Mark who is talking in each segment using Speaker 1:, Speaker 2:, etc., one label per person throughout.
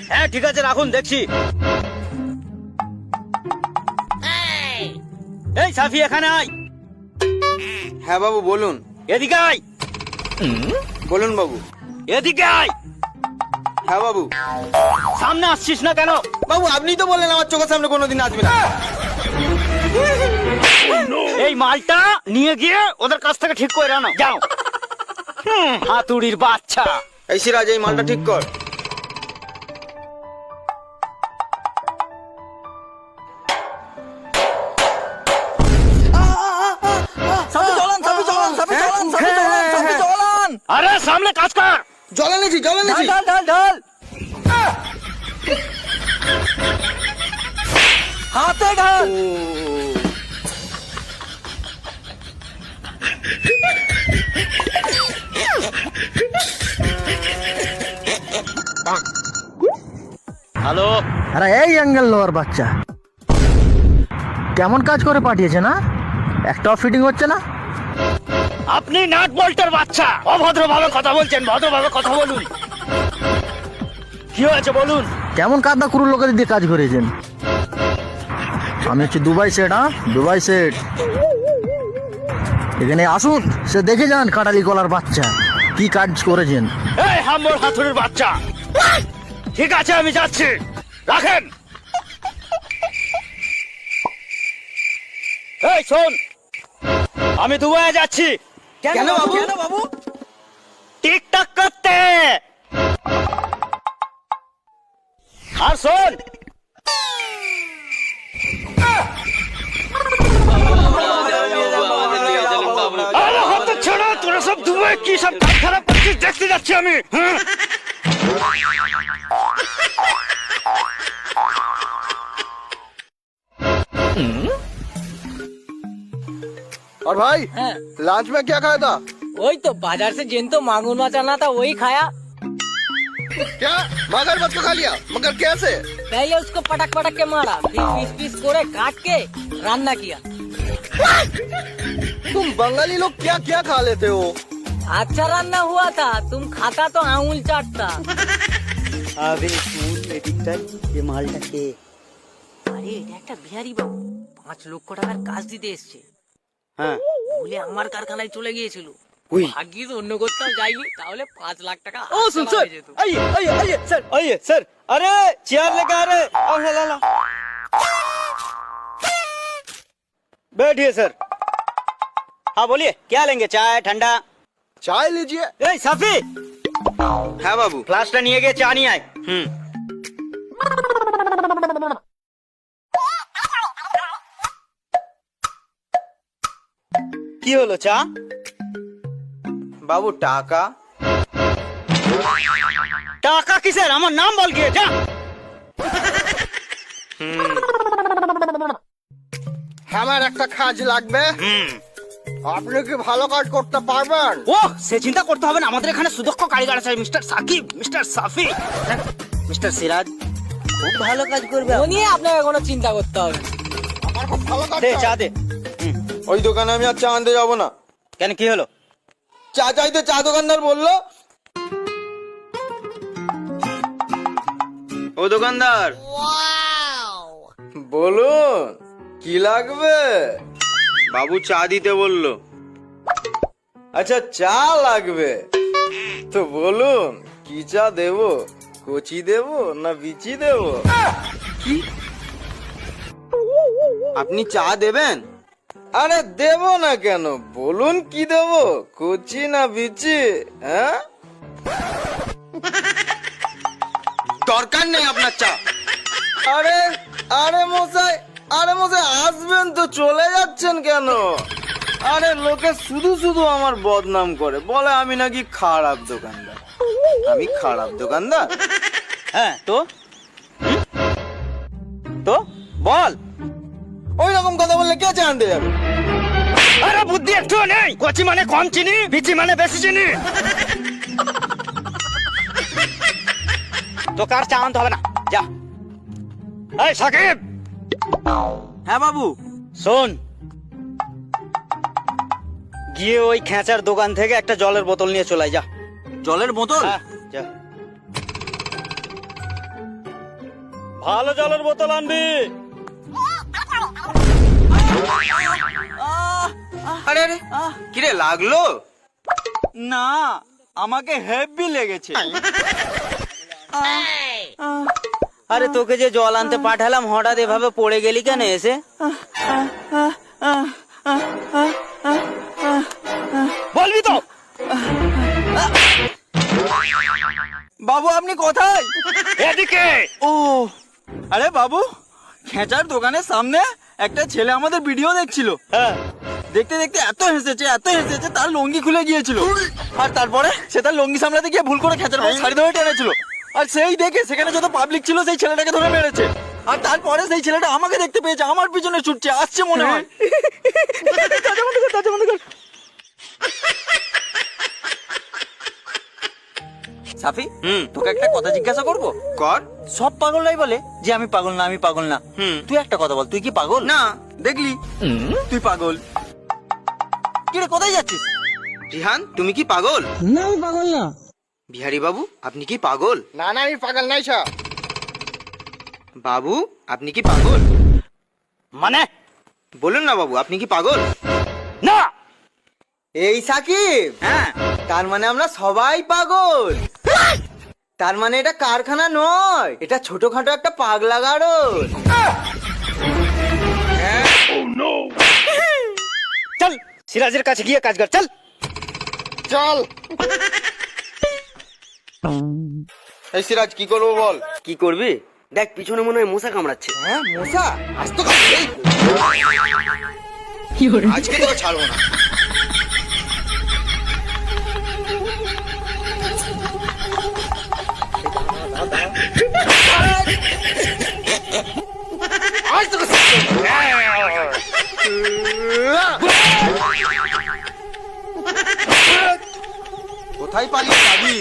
Speaker 1: হ্যাঁ ঠিক আছে রাখুন, দেখছি। এই সাফি এখানে আয়।
Speaker 2: হ্যাঁ বাবু বলুন।
Speaker 1: এদিকে আয়।
Speaker 2: বলুন বাবু।
Speaker 1: এদিকে আয়।
Speaker 2: হ্যাঁ বাবু।
Speaker 1: সামনে আসছিস না কেন?
Speaker 2: বাবু আপনি তো বললেন আমার চোখের সামনে কোনোদিন আসবে না।
Speaker 1: এই মালটা নিয়ে গিয়ে ওদের কাছ থেকে ঠিক করে আনো, যাও। হাতুড়ির বাচ্চা।
Speaker 2: এই সিরাজ, এই মালটা ঠিক কর।
Speaker 1: আরে সামনে কাজ কর।
Speaker 2: জল এনেছি, জল এনেছি।
Speaker 3: ঢাল হাতে ঢাল।
Speaker 1: হ্যালো।
Speaker 3: আরে এই অ্যাঙ্গেল লোয়ার বাচ্চা, কেমন কাজ করে পাঠিয়েছে না? একটাও ফিটিং হচ্ছে না।
Speaker 1: আপনি নাট বল্টের বাচ্চা, অভদ্রভাবে কথা বলছেন, ভদ্রভাবে কথা বলুন। কি হয়েছে বলুন?
Speaker 3: কেমন কাদা কুরুর লোকেদের দিয়ে কাজ করেছেন? আমি হচ্ছে দুবাই সেট। Dubai set. এখানে আসুন, সে দেখে যান কাটালি গলার বাচ্চা কি কাজ করেছেন।
Speaker 1: এই হাম্বর হাতুড়ির বাচ্চা। ঠিক আছে আমি যাচ্ছি, রাখেন। এই শোন, আমি দুবাইয়ে যাচ্ছি।
Speaker 2: কেন বাবু? কেন বাবু?
Speaker 1: টিকটক করতে। আর শোন, আরে হাত ছাড়া, তোরা সব দুবাই কি সব কাজ খারাপ করছিস দেখতে যাচ্ছি আমি। হ্যাঁ
Speaker 2: और भाई लंच में क्या खाया था?
Speaker 4: वही तो बाजार से जिन तो मांगूर माछ आना था वही खाया।
Speaker 2: क्या मगरमच्छ को खा लिया? मगर कैसे?
Speaker 4: पहले उसको पटक पटक के मारा, फिर पीस पीस कोड़े काट के रान्ना किया।
Speaker 2: तुम बंगाली लोग क्या क्या खा लेते हो?
Speaker 4: अच्छा रान्ना हुआ था, तुम खाता तो आंगुल चाटता।
Speaker 1: আরে শুন এদিকটাই, যে মালটা কে?
Speaker 4: আরে এটা একটা বিহারি বাবু, 5 লক্ষ টাকার কাজ দিতে এসছে।
Speaker 1: হ্যাঁ
Speaker 4: ভুলে আমার কারখানায় চলে গিয়েছিল।
Speaker 1: ওই
Speaker 4: ভাগ্যিস অন্য কোথাও যাইনি, তাহলে 5 লাখ টাকা
Speaker 1: ओ सुन
Speaker 4: হাতে
Speaker 1: सर,
Speaker 4: পাওয়া যেত।
Speaker 1: आइए आइए आइए सर, आइए सर। अरे चेयर लेके आ रहे, और ला ला। बैठिए सर। हाँ बोलिए, क्या लेंगे? चाय ठंडा?
Speaker 2: चाय लीजिए।
Speaker 1: ए साफी,
Speaker 2: হ্যাঁ বাবু।
Speaker 1: গ্লাসটা নিয়ে গিয়ে চা নিয়ে আয়। কি হলো চা?
Speaker 2: বাবু টাকা।
Speaker 1: টাকা কিসের? আমার নাম বল গিয়ে, যা।
Speaker 2: আমার একটা কাজ লাগবে। আপনি কি ভালো কাজ করতে পারবেন?
Speaker 1: ও সে চিন্তা করতে হবে না, আমাদের এখানে সুদক্ষ কারিগর আছে, mister Sakib, mister Safi, mister Siraj খুব ভালো কাজ করবে।
Speaker 4: ও নিয়ে আপনাকে কোনো চিন্তা করতে হবে না।
Speaker 2: আমার খুব ভালো কাজ।
Speaker 1: দে চা দে।
Speaker 2: ওই দোকানে আমি আর চা আনতে যাবো না।
Speaker 1: কেন কি হলো?
Speaker 2: চা চাইতে চা দোকানদার বললো। ও দোকানদার, বলুন কি লাগবে? বাবু চা দিতে বললো। আচ্ছা চা লাগবে তো বলুন কি চা দেবো? কচি দেবো না বিচি দেবো? কি আপনি চা দেবেন? আরে দেবো না কেন, বলুন কি দেবো, কচি না বিচি? হ্যাঁ দরকার নেই আপনার চা। আরে আরে মশাই, আরে মশাই আসবেন তো চলে যাচ্ছেন কেন? আরে লোকে শুধু শুধু আমার বদনাম করে, বলে আমি নাকি খারাপ দোকানদার। আমি খারাপ দোকানদার?
Speaker 1: হ্যাঁ তো তো বল।
Speaker 2: ওই রকম কথা বললে কে চা আনতে যাবে?
Speaker 1: আরে বুদ্ধি একটু নেই? কচি মানে কম চিনি, বিচি মানে বেশি চিনি। তো কার চা আনতে হবে না, যা। এই সাকিব।
Speaker 2: হ্যাঁ বাবু।
Speaker 1: শোন, গিয়ে ওই খেঁচার দোকান থেকে একটা জলের বোতল নিয়ে চলে আয়, যা।
Speaker 2: জলের বোতল?
Speaker 1: হ্যাঁ, যা। ভালো জলের বোতল আনবি।
Speaker 2: আরে আরে কিরে লাগলো?
Speaker 5: না, আমাকে হেভি লেগেছে।
Speaker 6: আরে তোকে যে জল আনতে পাঠালাম হঠাৎ এভাবে পড়ে গেলি কেন এসে?
Speaker 1: বলবি তো?
Speaker 5: বাবু আপনি কোথায়?
Speaker 1: এদিকে।
Speaker 5: ও আরে বাবু, খেঁচার দোকানের সামনে একটা ছেলে আমাদের ভিডিও দেখছিল।
Speaker 1: হ্যাঁ।
Speaker 5: দেখতে দেখতে এত হেসেছে তার লুঙ্গি খুলে গিয়েছিল। আর তারপরে সে তার লুঙ্গি সামলাতে গিয়ে ভুল করে খেঁচার পর শাড়ি ধরে টেনেছিল। আর সেই দেখে সেখানে যত পাবলিক ছিল সেই ছেলেটাকে ধরে মেরেছে। আর তারপরে সেই ছেলেটা আমাকে দেখতে পেয়েছে, আমার পিছনে ছুটছে, আসছে মনে হয়। সাফি, তোকে একটা কথা জিজ্ঞাসা করবো?
Speaker 2: কর।
Speaker 5: সব পাগলরাই বলে যে আমি পাগল না, আমি পাগল না। তুই একটা কথা বল, তুই কি পাগল?
Speaker 2: না।
Speaker 5: দেখলি তুই পাগল। কিরে কোথায় যাচ্ছিস?
Speaker 2: রিহান তুমি কি পাগল?
Speaker 3: না আমি পাগল না।
Speaker 2: বিহারি বাবু আপনি কি পাগল?
Speaker 3: না না আমি পাগল নাই স্যার।
Speaker 2: বাবু আপনি কি পাগল?
Speaker 1: মানে?
Speaker 2: বলুন না বাবু, আপনি কি পাগল?
Speaker 1: না।
Speaker 2: এই সাকিব,
Speaker 5: হ্যাঁ,
Speaker 2: তার মানে আমরা সবাই পাগল। তার মানে এটা কারখানা নয়, এটা ছোটখাটো একটা পাগলা গারদ।
Speaker 1: চল সিরাজের কাছে গিয়ে কাজ কর, চল।
Speaker 2: চল। এই সিরাজ কি করবো বল?
Speaker 6: কি করবি? দেখ পিছনে মনে হয় মশা কামড়াচ্ছে।
Speaker 2: হ্যাঁ মশা, আজ তো আজকে তোকে ছাড়বো না। আজ তোকে কোথায় পালিয়ে যাবি?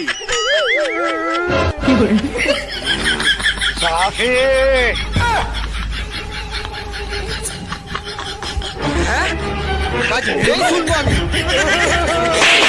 Speaker 1: সাফি।
Speaker 2: কাজ নেই শুনবো আমি।